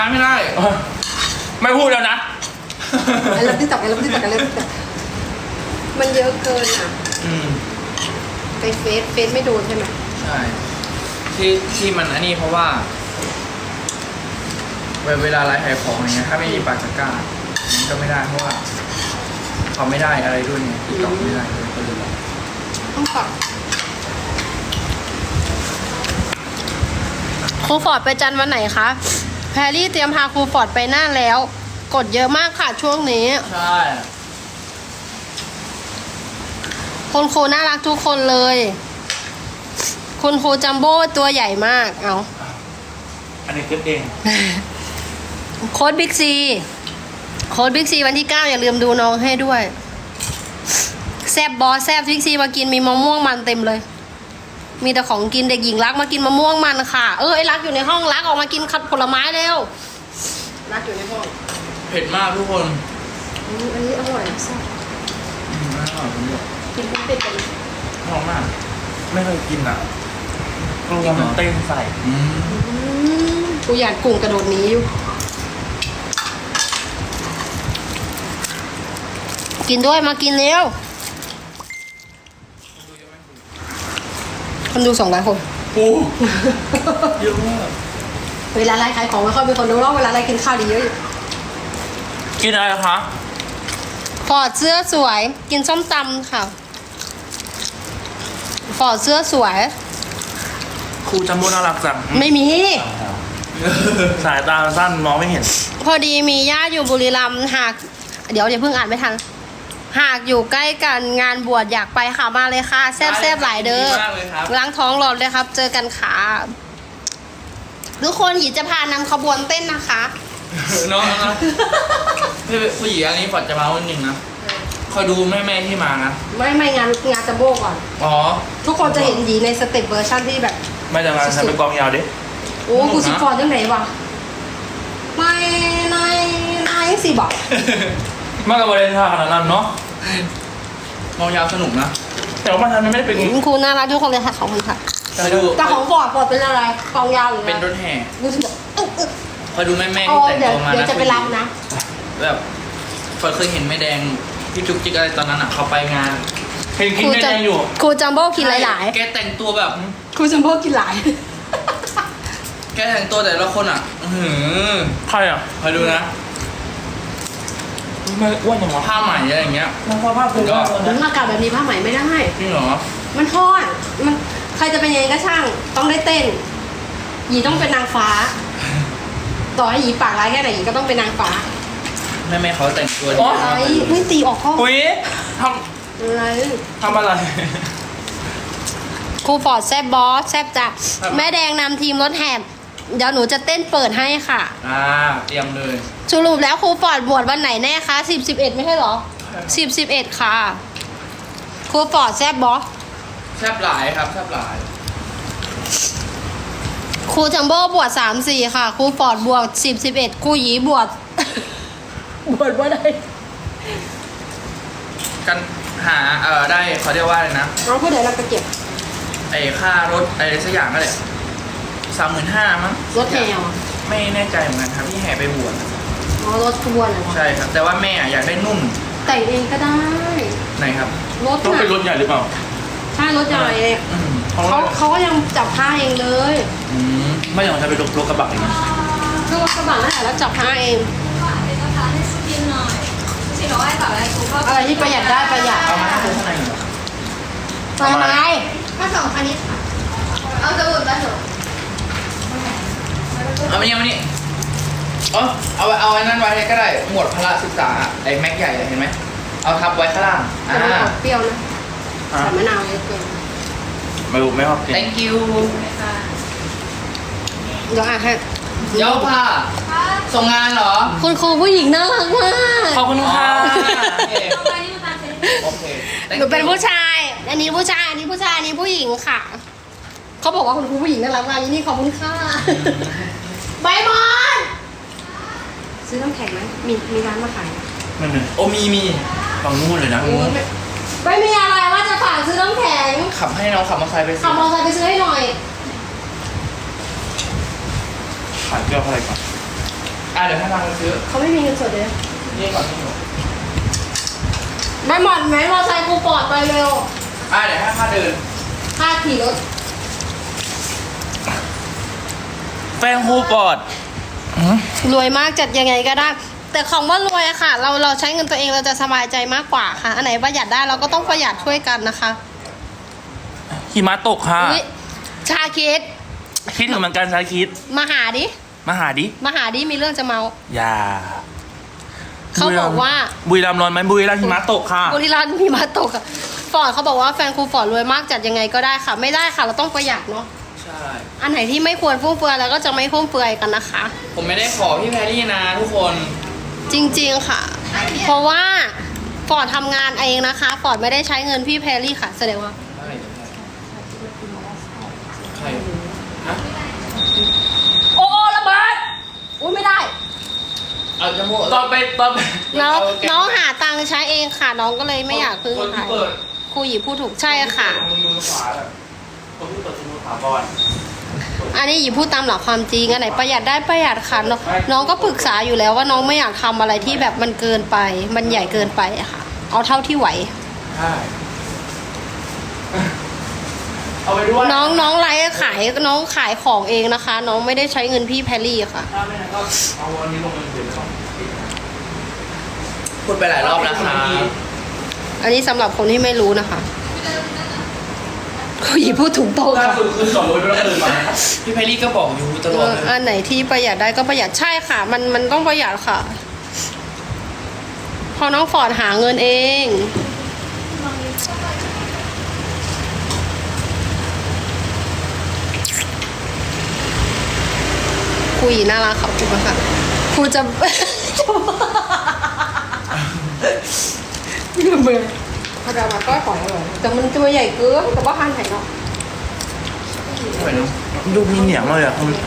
ไม่ได้ไม่พูดแล้วนะไอ้เริ่มที่ตักไอ้เริ่มที่ตักไอ้เริ่มที่ตักมันเยอะเกินอ่ะไปเฟซไม่โดนใช่ไหมใช่ที่มันอันนี้เพราะว่าเวลาไลฟ์ขายของอย่างเงี้ยถ้าไม่มีปากตะกร้ามันก็ไม่ได้เพราะว่าเขาไม่ได้อะไรด้วยไงติดต่อไม่ได้เลยก็เลยต้องปักครูฟอร์ดไปจันทร์วันไหนคะแพรรี่เตรียมพาครูฟอร์ดไปน่านแล้วกดเยอะมากค่ะช่วงนี้ใช่คุณครูน่ารักทุกคนเลยคุณครูจัมโบ้ตัวใหญ่มากเอาอันนี้คิดเองโค้ดบิ๊กซีวันที่ 9อย่าลืมดูน้องให้ด้วยแซบบอสแซบบิ๊กซีมากินมีมะม่วงมันเต็มเลยมีแต่ของกินเด็กหญิงรักมากินมะม่วงมันค่ะไอ้รักอยู่ในห้องรักออกมากินผลไม้เร็วรักอยู่ในห้องเผ็ดมากทุกคนอันนี้อร่อยแซ่บอร่อยผมบอกกินเป็นเป็ดกันหอมมากไม่เคยกินอ่ะกลัวมันเต้นใส่กูอยากกุ้งกระโดดนี้อยู่กินด้วยมากินเร็วคนดู200 คนโอ้เยอะมากเวลาไลฟ์ขายของไม่ค่อยมีคนดูหรอกเวลาไลฟ์กินข้าวดีเยอะอยู่กินอะไรคะฟอร์ดเสื้อสวยกินส้มตำค่ะฟอร์ดเสื้อสวยครูจัมโบ้น่ารักจังไม่มีสายตาสั้นมองไม่เห็นพอดีมีญาติอยู่บุรีรัมย์หากเดี๋ยวอย่าเพิ่งอ่านไม่ทันหากอยู่ใกล้กันงานบวชอยากไปค่ะมาเลยค่ะแซ่บหลายเด้อล้างท้องรอเลยครับเจอกันค่ะทุกคนหยีจะพานำขบวนเต้นนะคะน้องผู้หญิงอันนี้ฝอดจะมาวันหนึ่งนะคอยดูแม่ที่มานะไม่งานจัมโบ้ก่อนอ๋อทุกคนจะเห็นหยีในสเต็ปเวอร์ชันที่แบบไม่จะมาฉันเป็นกองยาวดิโอ้กูสิฟอนยังไงวะไม่สิบอกมากกว่าเล่นท่าขนาดนั้นเนาะกองยาวสนุกนะแต่ว่ามันไม่ได้เป็นครูน่ารักทุกคนเลยค่ะขอบคุณค่ะแต่ของฟอร์ดเป็นอะไรกองยาวหรือเป็นรถแห่กูสิบอกคอยดูแม่ที่แต่งตัวมานะเดี๋ยวจะไปรับนะแบบเคยเห็นแม่แดงพี่จุกจิกอะไรตอนนั้นอ่ะเขาไปงานเห็นกินแม่แดงอยู่ครูจัมโบ้กินหลายๆแกแต่งตัวแบบครูจัมโบ้กินหลายแกแต่งตัวแต่ละคนอ่ะใครอ่ะคอยดูนะไม่อ้วนอย่างผ้าใหม่อะไรอย่างเงี้ยผ้าคือก็อากาศแบบนี้ผ้าใหม่ไม่ได้จริงเหรอมันทอดมันใครจะเป็นยังไงก็ช่างต้องได้เต้นหยีต้องเป็นนางฟ้าต่อให้หยีปากร้ายแค่ไหนหยีก็ต้องเป็นนางฟ้าแม่เขาแต่งตัวดีอะไรไม่ตีออกข้ออุ้ยทำอะไรครูฟอร์ดแซบบอสแซบจับแม่แดงนำทีมรถแห่เดี๋ยวหนูจะเต้นเปิดให้ค่ะเตรียมเลยสรุปแล้วครูฟอร์ดบวชวันไหนแน่คะ10-11ไม่ใช่หรอ10-11ค่ะครูฟอร์ดแซบบอสแซบหลายครับแซบหลายครูจัมโบ้บวช3-4ค่ะครูฟอร์ดบวช10-11ครูหยีบวชว่าได้กันหาได้เขาเรียกว่าอะไรนะเราเพื่อเดี๋ยวเราจะเก็บค่ารถอะไรสักอย่างก็เลย35,000มั้งรถแห่ไม่แน่ใจเหมือนกันครับที่แห่ไปบวชรถขบวนเหรอใช่ครับแต่ว่าแม่อยากได้นุ่มแต่งเองก็ได้ไหนครับรถต้องเป็นรถใหญ่หรือเปล่าใช่รถใหญ่เขาก็ยังจับผ้าเองเลยไม่อย่างจะเป็นรถกระบะอย่างนี้รถกระบะนั่นแหละแล้วจับผ้าเองอะไรที่ประหยัดได้ประหยัดเอามาให้ข้างในทำไมถ้า2 คณิตค่ะเอาสมุดมาเถอะเอามานี่เอาไอ้นั่นไว้ก็ได้หมวดพละศึกษาไอ้แม็กใหญ่เห็นไหมเอาทับไว้ข้างล่างเปรี้ยวนะใส่มะนาวเยอะเกินไม่ชอบกิน thank you เดี๋ยวให้เดี๋ยวค่ะส่งงานเหรอคุณครูผู้หญิงน่ารักมากขอบคุณค่ะโอเคหนูเป็นผู้ชายอันนี้ผู้ชายอันนี้ผู้ชายอันนี้ผู้หญิงค่ะเขาบอกว่าคุณครูผู้หญิงน่ารักมากนี่ขอบคุณค่ะใบบอลซื้อน้ำแข็งไหมมีร้านมาขายไม่มีโอ้มีฝั่งนู้นเลยนะไม่มีอะไรว่าจะฝากซื้อน้ำแข็งขับให้น้องขับมอเตอร์ไซค์ไปซื้อขับมอเตอร์ไซค์ไปซื้อให้หน่อยขายเกลืออะไรก่อนเดี๋ยวให้ทางไปซื้อเขาไม่มีเงินสดเลยนี่ก่อนนี่หนูไม่หมดไหมมอไซค์กูปลอดไปเร็วเดี๋ยวให้ค่าเดินค่าขี่รถแฟนครูปอดรวยมากจัดยังไงก็ได้ แต่ของว่ารวยอะค่ะ เราใช้เงินตัวเองเราจะสบายใจมากกว่าค่ะ อันไหนประหยัดได้เราก็ต้องประหยัดช่วยกันนะคะหิมะตกค่ะอุ๊ยชาคิดคิดถึงเหมือนกันชาคิดมาหาดิมาหาดิมาหาดิมีเรื่องจะเมาอย่าเขาบอกว่าบุรีรัมย์ร้อนไหมบุรีรัมย์หิมะตกค่ะบุรีรัมย์มีมาตกอะฟอร์ดเขาบอกว่าแฟนครูฟอร์ดรวยมากจัดยังไงก็ได้ค่ะ ไม่ได้ค่ะเราต้องประหยัดเนาะใช่อันไหนที่ไม่ควรฟุ่มเฟือยเราก็จะไม่ฟุ่มเฟือยกันนะคะผมไม่ได้ขอพี่แพรรี่นะทุกคนจริงๆค่ะ เพราะว่าฟอร์ดทำงานเองนะคะฟอร์ดไม่ได้ใช้เงินพี่แพรรี่ค่ะแสดงว่าใครฮะโอ้ระเบิดอุ้ยไม่ได้เอาจมูกตอนไปน้องหาตังค์ใช้เองค่ะ น้องก็เลยไม่อยากพึ่งคนใครที่เปิดครูหยีพูดถูกใช่ค่ะมือขวาแบบคนที่เปิดมือขวาก่อนอันนี้หยีพูดตามหลักความจริงอันไหนประหยัดได้ประหยัดค่ะน้องก็ปรึกษาอยู่แล้วว่าน้องไม่อยากทำอะไรที่แบบมันเกินไป มันใหญ่เกินไปอะค่ะ เอาเท่าที่ไหวใช่เอาไปด้วยน้องไลฟ์ขายน้องขายของเองนะคะ น้องไม่ได้ใช้เงินพี่แพรรี่ค่ะถ้าไม่งั้นก็เอาวันนี้ลงเงินเดือนไปก่อนพูดไปหลายรอบแล้วครับอันนี้สำหรับคนที่ไม่รู้นะคะครูหยีพูดถูกต้องล่าค่ะสุดคือสอนรถแล้วก็เดินมาพี่แพรรี่ก็บอกอยู่ตลอดเลยอันไหนที่ประหยัดได้ก็ประหยัดใช่ค่ะ มันต้องประหยัดค่ะ พอน้องฟอร์ดหาเงินเองครูหยีน่ารักขอบคุณมากค่ะครูจะเบื่อพอดามาก้อยของเลยแต่มันตัวใหญ่เกินกับว่าหันไหนเนาะไปเนอะดูมีเหนียงเลยอ่ะคุณ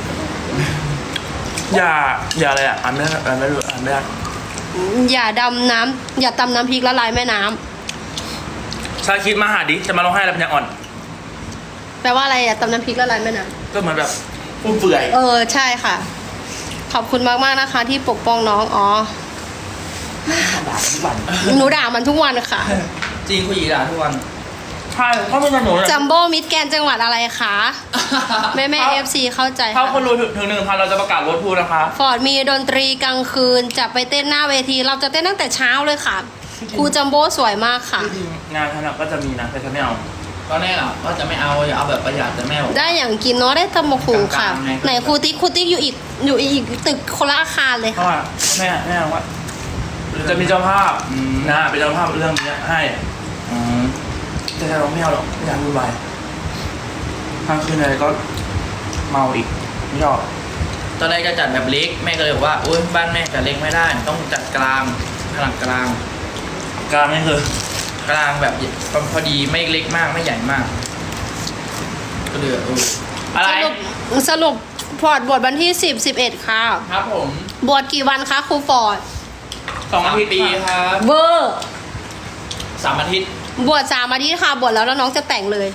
อย่าอะไรอ่ะอ่านไม่ได้อ่านไม่ได้อ่านไม่ได้อย่าดำน้ำอย่าตำน้ำพริกละลายแม่น้ำชาคิดมาหาดิจะมาร้องไห้แล้วเป็นยังอ่อนแปลว่าอะไรอะตำน้ำพริกละลายแม่น้ก็เหมือนแบบฟุ่มเฟือยำใช่ค่ะ ขอบคุณมากๆนะคะ ที่ปกป้องน้องอ๋อด่าทุกวันหนูด่ามันทุกวันค่ะจริงคุณหยีด่าทุกวันใช่ถ้าไม่สนุกจัมโบ้มิดแกรนด์จังหวัดอะไรคะแม่เอฟซีเข้าใจถ้าค่ะคนรู้ถึง1,000เราจะประกาศรถพูนะคะฟอร์ดมีดนตรีกลางคืนจะไปเต้นหน้าเวที เราจะเต้นตั้งแต่เช้าเลยค่ะครูจัมโบ้สวยมากค่ะที่จริงงานขนาดก็จะมีนะแต่ฉันไม่เอาตอนแรกอ่ะว่าจะไม่เอาอย่าเอาแบบประหยัดแต่แม่บอกได้อย่างกินเนาะได้ตำบักหุ่งค่ะกลางๆไงไหนครูติ๊กอยู่อีกตึกคนละอาคารเลยเพราะค่ะว่าแม่ว่าจะมีเจ้าภาพนะเป็นเจ้าภาพเรื่องนี้ให้อืมแต่เราไม่เอาหรอกไม่อยากวุ่นวายทางคืนอะไรก็เมาอีกไม่ชอบตอนแรกจะจัดแบบเล็กแม่ก็เลยบอกว่าโอ๊ยบ้านแม่จัดเล็กไม่ได้ต้องจัดกลางขนาดกลางกลางนี่คือกลางแบบพอดีไม่เล็กมากไม่ใหญ่มาก ก็เลยอะไรสรุปฟอร์ดบวชวันที่10-11ค่ะครับผมบวชกี่วันคะครูฟอร์ด 2 อาทิตย์ปีครับเบอร์ 3 อาทิตย์บวช3 อาทิตย์ค่ะบวชแล้วน้องจะแต่งเลย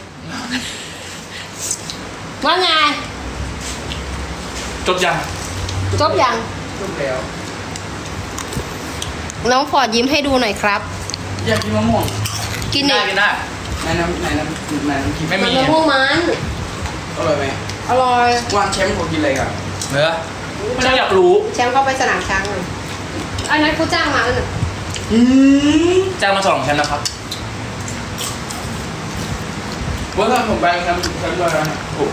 ว่าไงจบยังจบยังจบแล้วน้องฟอร์ดยิ้มให้ดูหน่อยครับอยากกินมะม่วงกินได้อีกกินได้ในน้ำกินไม่มันมีมะม่วงมันอร่อยไหมอร่อยวันแชมป์ผมกินอะไรกันเนื้อไม่ได้อยากรู้แชมป์เข้าไปสนามช้างเลยอันนั้นกูจ้างมาแล้วน่ะจ้างมา2 แชมป์นะครับว่าถ้าผมไปแชมป์ด้วยนะโอ้โห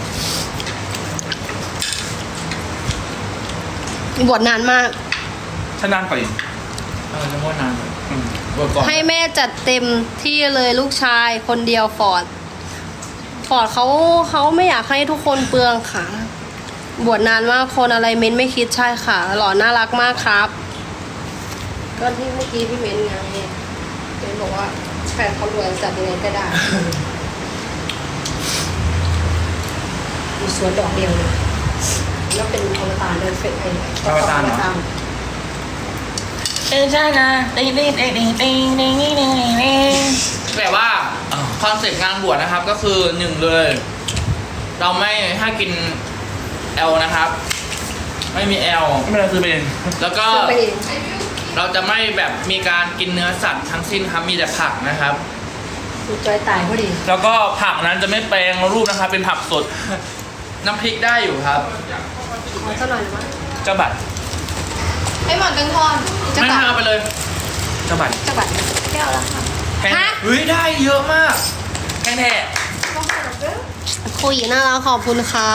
บวชนานมากฉันนานกว่าอีกจะม้วนนานอืมบวชก่อนให้แม่จัดเต็มที่เลยลูกชายคนเดียวฟอร์ดเขาไม่อยากให้ทุกคนเปลืองค่ะ บวชนานมากคนอะไรเม้นไม่คิดใช่ค่ะ หล่อน่ารักมากครับ ก็ที่เมื่อกี้พี่เม้นไงเม้นบอกว่าแฟนเขารวยจัดยังไงก็ได้มีสวนดอกเดียวเลยแล้วเป็นอวตารเดินเฟซไอ้อวตารเหรอ แต่ว่าคอนเซ็ปต์งานบวชนะครับก็คือ1เลย เราไม่ให้กินแอลนะครับไม่มีแอลไม่เป็นไรซื้อไปเองแล้วก็ซื้อไปเองเราจะไม่แบบมีการกินเนื้อสัตว์ทั้งสิ้นครับมีแต่ผักนะครับดูจอยตายพอดีแล้วก็ผักนั้นจะไม่แปลงรูปนะครับ เป็นผักสดน้ำพริกได้อยู่ครับขอสักหน่อยนะเจ้าบัตรไอ้หมอนตังทอนจะไม่ตัดเอาไปเลยเจ้าบัตรจะบัดแก้วละค่ะแพงฮะเฮ้ยได้เยอะมากแพงแท้คุยน่ารักขอบคุณค่ะ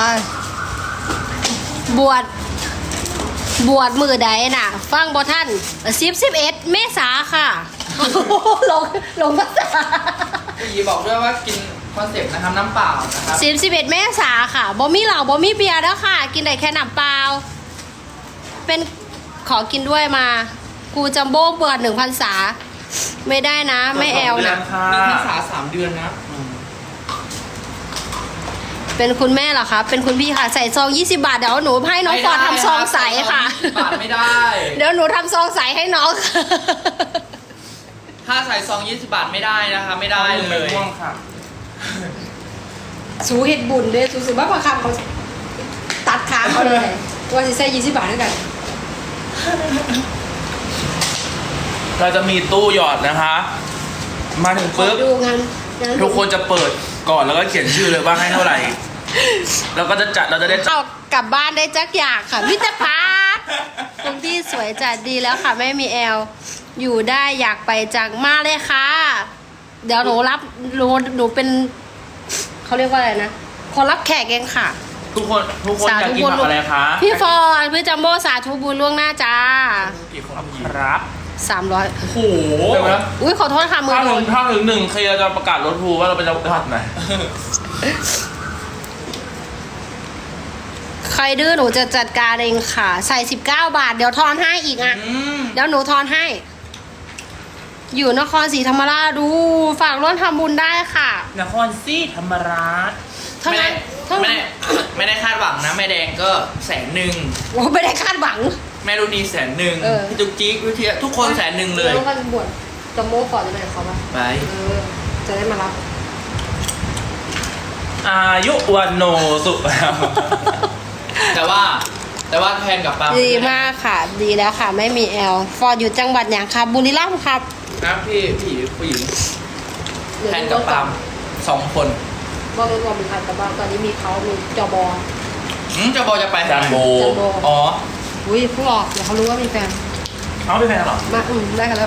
บวชมือใดน่ะ ฟังบอท่าน11 เมษาค่ะ ลงภาษาพี่หยีบอกด้วยว่ากินคอนเซ็ปต์นะครับน้ำเปล่านะครับ 11 เมษาค่ะบ่มีเหล้าบ่มีเบียร์แล้วค่ะ กินได้แค่น้ำเปล่า เป็นขอกินด้วยมากูจัมโบ้เปิด1,000 ษา ไม่ได้นะ ไม่แอลเดือนะนค่ะ 1 พรรษา 3 เดือนนะเป็นคุณแม่เหรอคะ เป็นคุณพี่ค่ะ ใส่ซอง20 บาท เดี๋ยวหนูให้น้องฟอร์ดทำซองใสค่ะบาทไม่ได้เดี๋ยวหนูทำซองใสให้น้องถ้าใส่ซอง20 บาทไม่ได้นะคะไม่ได้เลยม่วงค่ะสูเห็ดบุญเด้สูสึกว่าประคำเขาตัดขาเขาเลยว่าสิใส่20 บาทด้วยกันเราจะมีตู้หยอดนะคะ มาถึงขอปุ๊บดูงานทุกคนจะเปิดก่อนแล้วก็เขียนชื่อเลยว่าให้เท่าไหร่ แล้วก็จะจัดเราจะได้จัดเอากลับบ้านได้จักอย่างค่ะมิตรพักคุณพี่สวยจัดดีแล้วค่ะไม่มีแอล อยู่ได้อยากไปจังมากเลยค่ะ เดี๋ยวหนูรับหนูเป็นเขาเรียกว่าอะไรนะคนรับแขกเองค่ะทุกคนอยากกินผักอะไรคะพี่ฟอร์ดพี่จัมโบ้สาธุบุญล่วงหน้าจ้ากี่คนครับ 300 โอ้โหเดี๋ยวนะอุ้ยขอโทษค่ะมือถ้าโดถึงน 1เคลียร์จะประกาศรถทูว่าเราเป็นจังหวัดไหนใครดื้อหนูจะจัดการเองค่ะ ใส่19 บาท เดี๋ยวทอนให้อีกอ่ะ เดี๋ยวหนูทอนให้ อยู่นครศรีธรรมราชดูฝากร่วมทำบุญได้ค่ะนครศรีธรรมราชเท่าไม่ได้นั้นเท่าไม่นั้ได้นไม่ได้คาดหวังนะแม่แดงก็100,000 โอ้ไม่ได้คาดหวังแม่รุ่นนี้100,000 เออพี่จุกจิ๊กวิทยาทุกคน100,000เลยแล้วกันบวชจัมโบ้ก่อนจะไปกับเขาปะไปจะได้มารับอายุวันโนสุแต่ว่าแทนกับปาล์มดีมากค่ะ ดีแล้วค่ะ ไม่มีแอล ฟอร์ดอยู่จังหวัดอย่างครับบุรีรัมย์ครับนะพี่ผู้หญิงเดี๋ยวแทนดูกับรถปาล์ม2 คนว่ารถรวมเป็นใครแต่ว่าตอนนี้มีเขามีจอบอจะบอกจะไปจานโบจัมโบ้อ๋ออุ้ยผู้หลอกเดี๋ยวเขารู้ว่ามีแฟนเอาไปแพงเหรอมาได้กันแล้ว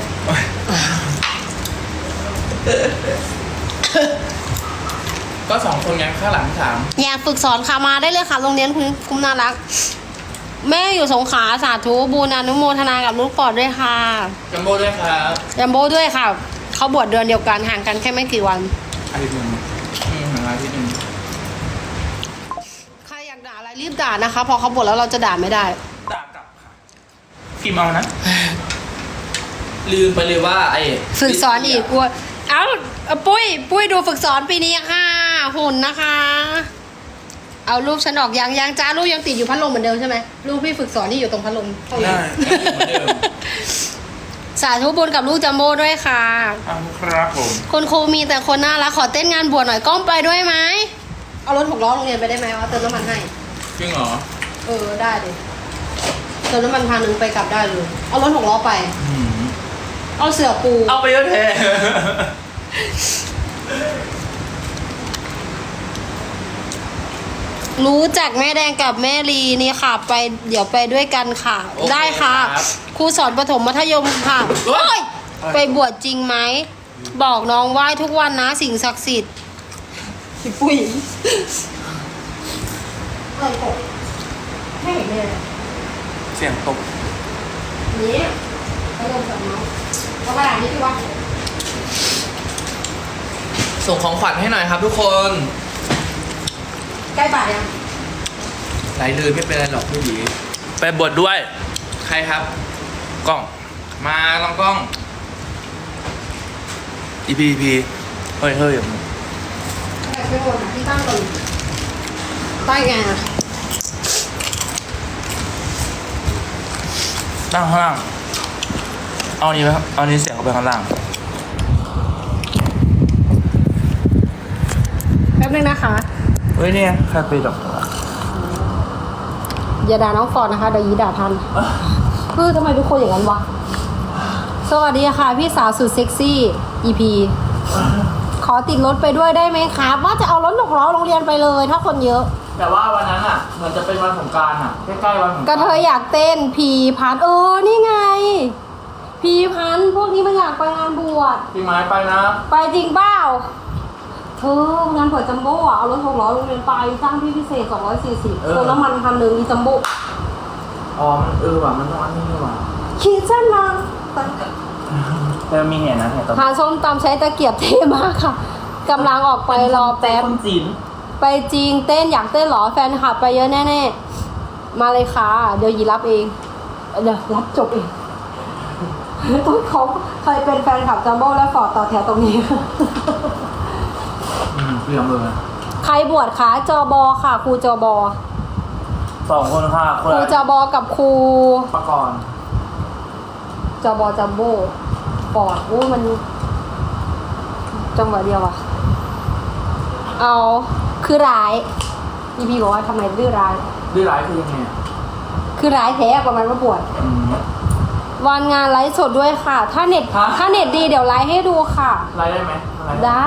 ก็2 คนไงข้างหลัง3 อยากฝึกสอนค่ะมาได้เลยค่ะโรงเรียนคุ้มน่ารัก แม่อยู่สงขลาสาธุบุญอนุโมทนากับลูกปอดด้วยค่ะจัมโบ้ด้วยครับจัมโบ้ด้วยค่ะ เขาบวชเดือนเดียวกันห่างกันแค่ไม่กี่วันอาทิตย์หนึ่งหาที่หนึ่งใครอยากด่าอะไรรีบด่านะคะ พอเขาบวชแล้วเราจะด่าไม่ได้ด่ากลับค่ะกิมเอานะลืมไปเลยว่าไอ้ฝึกสอนอีกกลัวเอาปุ้ยดูฝึกสอนปีนี้ค่ะ หุ่นนะคะ เอารูปฉันออกยังจ้ารูปยังติดอยู่พัดลมเหมือนเดิมใช่ไหมรูปพี่ฝึกสอนที่อยู่ตรงพัดลมห้องนี้ได้เหมือนเดิมสาธุบุญกับลูกจัมโบ้ด้วยค่ะเอาครับผมคุณครูมีแต่คนน่ารักขอเต้นงานบวชหน่อยก้อมไปด้วยไหมเอารถ6 ล้อโรงเรียนไปได้ไหมว่าเติมน้ำมันให้จริงเหรอได้ดิเติมน้ำมัน1,000ไปกลับได้เลยเอารถ6 ล้อไป เอาเสือปูเอาไปเยอะแท้รู้จักแม่แดงกับแม่ลีนี่ค่ะ ไปเดี๋ยวไปด้วยกันค่ะโอเคได้ค่ะครับครูสอนประถมมัธยมค่ะโอ๊ยโอ๊ยไปบวชจริงไหม บอกน้องไหว้ทุกวันนะสิ่งศักดิ์สิทธิ์พี่ปุ้ยอะไรกบให้เห็นเลยเสียงตกนี่พัดลมกับเมาส์เอากระดาษนี้พี่วะส่งของขวัญให้หน่อยครับทุกคนใกล้บาทยังไหลเลยไม่เป็นไรหรอกผู้หญิงไปบวชด้วยใครครับกล้องมาลองกล้อง EP เฮ้ยไม่โอนอ่ะที่ตั้งตรงตั้งไงอ่ะตั้งข้างล่าง เอานี้ไหมครับ เอานี้เสียงเข้าไปข้างล่างแป๊บนึงนะคะเฮ้ยเนี่ยใครไปดอกเอย่าด่าน้องฟอร์ดนะคะเดี๋ยวยีด่าทันทำไมทุกคนอย่างนั้นวะสวัสดีค่ะพี่สาวสุดเซ็กซี่ EP ขอติดรถไปด้วยได้ไหมครับว่าจะเอารถ6 ล้อโรงเรียนไปเลยถ้าคนเยอะแต่ว่าวันนั้นอ่ะเหมือนจะเป็นวันสงกรานต์อ่ะใกล้ๆวันสงกรานต์ก็เธออยากเต้นพีพันนี่ไง พีพันพวกนี้มันอยากไปงานบวชพี่ไม้ไปนะไปจริงเปล่าเธองานบวชจัมโบ้อะเอารถ6 ล้อโรงเรียนไปจ้างพี่พิเศษ240เติมน้ำมัน1,000อีจัมโบ้อ๋อมันว่ะมันต้องอันนี้นี่ว่ะขีดเส้นมาแต่มีเห็นนะเห็นตอนหาส้มตำใช้ตะเกียบเท่มากค่ะกำลังออกไปรอแป๊บคนจีนไปจริงเต้นอยากเต้นเหรอแฟนคลับไปเยอะแน่ๆมาเลยค่ะเดี๋ยวยีรับเองเดี๋ยวรับจบเองต้องเขาใครเป็นแฟนคลับจัมโบ้และฟอร์ดต่อแถวตรงนี้เพื่อนเลยใครบวชคะจบค่ะครูจบ 2 คนค่ะคคน รูละจบกับครูประกรณ์จบจัมโบ้ฟอร์ดมันจังหวะเดียวอะเอาคือร้ายอีพีบอกว่าทำไมดื้อร้ายดื้อร้ายคือยังไงอ่ะคือร้ายแท้ประมาณว่าบวชวันงานไลฟ์สดด้วยค่ะ ถ้าเน็ตดีเดี๋ยวไลฟ์ให้ดูค่ะไลฟ์ได้ไหมได้